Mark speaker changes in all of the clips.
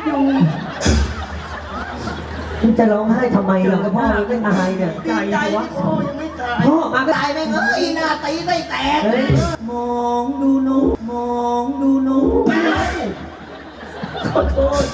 Speaker 1: อยู่
Speaker 2: คุณจะร้องไห้ทำไมล่ะพ่อไม่ตายเนี่ย
Speaker 1: ดีใจพ่อยังไม่ตาย
Speaker 2: พ่อมาก็
Speaker 1: ตายไหมเอ้ยหน้าตีไม่แตก
Speaker 2: มองดูหนูมองดูหนูขอโทษ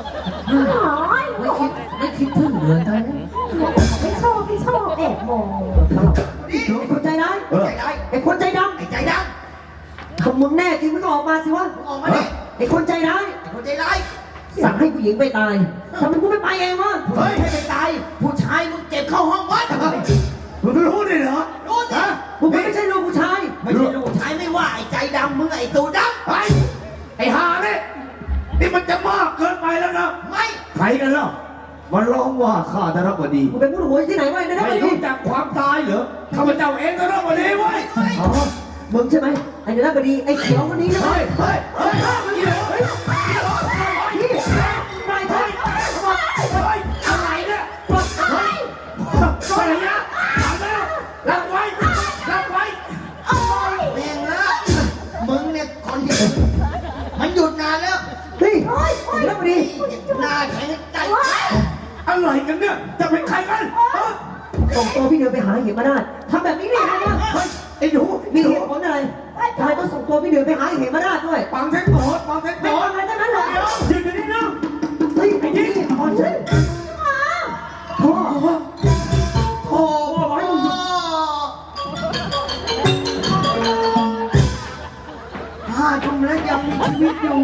Speaker 2: ไม่คิดถึงเลยตอนนี้
Speaker 3: ไม่ชอบแอบมอง
Speaker 2: หนูคนใจร้าย
Speaker 1: ใจได้
Speaker 2: ไอ้คนใจด
Speaker 1: ไอ้ใจด
Speaker 2: ำคำมึงแน่จริงมึงก็ออกมาสิวะ
Speaker 1: ำออกมาดิ
Speaker 2: ไอ้คนใจร้าย
Speaker 1: ไอ้คนใจร้าย
Speaker 2: สั่งให้ผู้หญิงไปตายทำไมกูไม่ไปเองวะ
Speaker 1: เฮ้ยให้ไปตายผู้ชายมึงเก็บเข้าห้องวัด
Speaker 4: มึงรู้ดิเหรอ
Speaker 1: รู้ดิ
Speaker 2: มึงไม่ใช่ลูกผู้ชาย
Speaker 1: ไม่ใช่ลูกชายไม่ว่าไอ้ใจดำมึงไอ้ตูด
Speaker 4: ไอ้ห่าเนี่ยนี่มันจะมากเกินไปแล้วนะ
Speaker 1: ำไม่
Speaker 4: ใครกันล่ะมันร้องว่าข้าจะรับบดี
Speaker 2: มึงเป็นผู้หวยที่ไหนวะนะ
Speaker 4: ไม่รู้จักความตายเหรอข้าพเจ้าเองก็รับบดีเว้ย
Speaker 2: อ๋อมึงใช่ไหมไอ้เนื้อบดีไอ้เขียวคนนี้ใช่ไหม
Speaker 4: เฮ้ยเฮ้ยเฮ้ยเฮ้ยเฮ้ย
Speaker 2: นี่ไม่ใช่
Speaker 4: อะไรเนี่ยเฮ้ยอะไรเนี่ยถามแล้วรับไว้รับไว้
Speaker 1: แม่งนะมึงเนี่ยคนที่มันหยุดนานแล้ว
Speaker 2: เฮ้ยเนื้อบดี
Speaker 1: หน้าแข็งใจ
Speaker 4: อะไรกันเนี่ยจะเป็นใครกันฮะ
Speaker 2: ส่งตัวพี่เดือนไปหาเหมราชทำแบบนี้ได้ยังไงเนี่ย
Speaker 4: ไอ้หนู
Speaker 2: มีเหตุผลอะไรทำไมต้องส่งตัวพี่เดือนไปหาเหมราชด้วย
Speaker 4: ปังเทคโนดปังเทคโน
Speaker 2: ไม่
Speaker 4: ด
Speaker 2: ทำอะไรทั้งนั้นหรอก
Speaker 4: ยืนอยู่นี่นะ
Speaker 2: เฮ้ยไอ้นี่อ่อนฉันพ่อ
Speaker 1: โอ้โหทุ่มแล้วยังมีชีวิตอยู่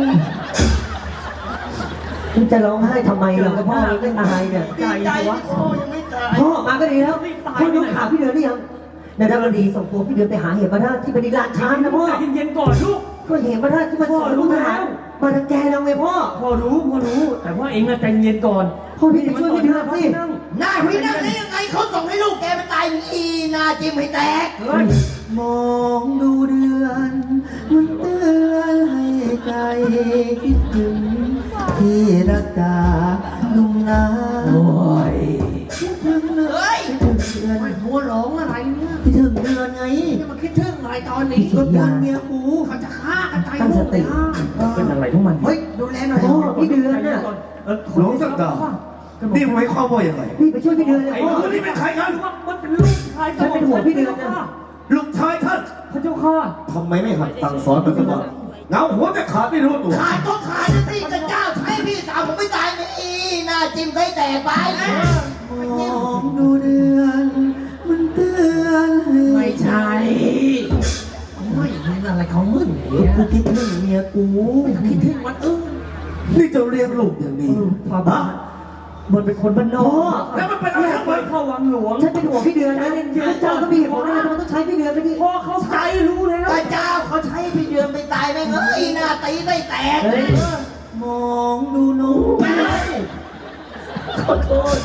Speaker 2: คุณจะร้องไห้ทำไมล่ะพ่อไม่ตายเนี่ย
Speaker 1: ดีใจพ่อยังไม่ตาย
Speaker 2: พ่อมาก็ดีแล้วพ่อดูข่าวพี่เดือนหรือยังนายดำดีส่งตัวพี่เดือนไปหาเหมราชที่บริลานชานนะพ่อ
Speaker 5: ใจเย็นๆก่อนลูก
Speaker 2: ก็เหมราชที่มันสอนลูกทหารมาทังแกเราไงพ่อ
Speaker 5: พ่อรู้ แต่ว่าเองอะใจเย็นก่อน
Speaker 2: พ่อพี่ไปช่วยพี่เดือนสิ
Speaker 5: นั่ง
Speaker 1: หน้าพี่นั่งได้ยังไงเขาส่งให้ลูกแกไปตายอีหน้าจิ้มให้แตก
Speaker 5: เฮ้ย
Speaker 2: มองดูเดือนมันเตือนให้ใจคิดถึงที่รักจาลุงนาคิดถึงเดือน
Speaker 1: เฮ้ย
Speaker 2: คิดถึงเดือน
Speaker 1: ไอ้หัวหลงอะไรเนี่ย
Speaker 2: คิดถึงเดือนไง
Speaker 1: นี่มันคิดถึงอะไรตอนนี้
Speaker 2: ก็เดือนเมียกู
Speaker 1: เขาจะฆ่ากันตาย
Speaker 2: ตั้ง
Speaker 1: หม
Speaker 2: ส
Speaker 1: ด
Speaker 2: ติ
Speaker 5: เป็นอะไรของมัน
Speaker 1: เฮ้ยดูแลหน่อย
Speaker 2: พ่อพี่เดือนน่ะ
Speaker 4: หลวงสักดานี่หมายความว่าอย่างไร
Speaker 2: นี่ไปช่วยพี่เดือนเลย
Speaker 5: ไอ้
Speaker 2: พ่อ
Speaker 5: คนนี้เป็นใครกันมันเป็นลูกชาย
Speaker 2: ฉันเป็นห่วงพี่เดือนนะ
Speaker 4: ลูกชายท่าน
Speaker 5: พระเจ้าค่ะ
Speaker 4: ทำไมไม่หัดสั่งสอนมันสักวันเงาหัวแต่ขาดไม่รู้ตัว
Speaker 1: ขาดก็ขาดนะพี่กระเจ้าใช้พี่สาวผมไม่ตายไหมอีหน้าจิ้มให้แตกไป
Speaker 2: มองดูเดือนมันเตือนให้
Speaker 1: ไม่ใช่ไม่เป็นอะไรของมึงเนี่ย
Speaker 2: กูคิดถึงเมียกู
Speaker 1: คิดถึงวันอึ้ง
Speaker 4: นี่จะเลี้ยงลูกอย่างนี้
Speaker 2: ความบ้า
Speaker 5: มันเป็นคนบ้านนอก
Speaker 4: แล้วมันเป็นอะไรทั้งหมด
Speaker 5: เข้าวังหลวง
Speaker 2: ฉันเป็นห่วงพี่เดือนนะเจ้าก็มีเหตุผลอะไรทำไมต้องใช้พี่เดือนไปดิ
Speaker 5: พ่อเข้าใจรู้แล้ว
Speaker 1: กระเจ้าเขาใช้พี่เดือนไปตายไหมเอ้ยหน้าตีไม่แตก
Speaker 2: มองดูหนูขอโทษ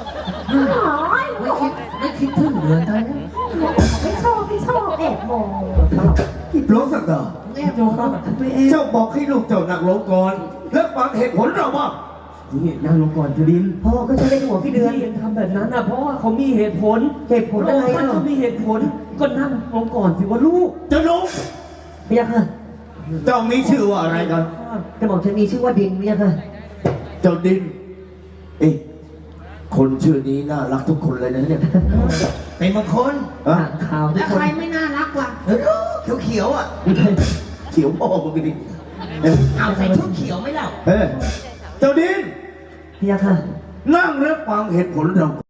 Speaker 1: ไม่คิดถึงเลยตอนนี้
Speaker 3: ไม่ชอบแอบมอง
Speaker 4: หลวงสักดา
Speaker 1: แม่ดูเขา
Speaker 2: ไปเอง
Speaker 4: เจ้าบอกให้ลูกเจ้านั่งลงก่อนแล้วฟังเหตุผลเราว่า
Speaker 5: นี่นั่งลงก่อนจุดิน
Speaker 2: พ่อก็จะเป็นห่วงพี่เดือน
Speaker 5: ที่เองทำแบบนั้นนะเพราะว่าเขามีเหตุผล
Speaker 2: เหตุผลอะไร
Speaker 5: มัน
Speaker 2: เนาะ
Speaker 5: ก็มีเหตุผลก็นั่งลงก่อนสิว่าลูก
Speaker 4: เจ้าลุง
Speaker 2: พี่ยักษ์ค่ะ
Speaker 4: เจ้ามีชื่อว่าอะไรกัน
Speaker 2: กระบอกฉันมีชื่อว่าดินพี่ยักษ์ค่ะ
Speaker 4: เจ้าดิน เอ๊ะคนชื่อนี้น่ารักทุกคนเลยนะเนี่ย
Speaker 1: เป็นบางคน
Speaker 4: อะ
Speaker 2: ข่าวทุ
Speaker 1: แล้
Speaker 2: ก
Speaker 1: ว
Speaker 2: คน
Speaker 1: ใครไม่น่ารักล่ะเขียวๆอ่ะ
Speaker 4: เขียวพ่อมึงดิเออ
Speaker 1: เอาใส่ชุดเขียวไหมเล่า
Speaker 4: เออเจ้าดิน
Speaker 2: พี่ยักษ์ค่ะ
Speaker 4: นั่งรับฟังเหตุผลเรา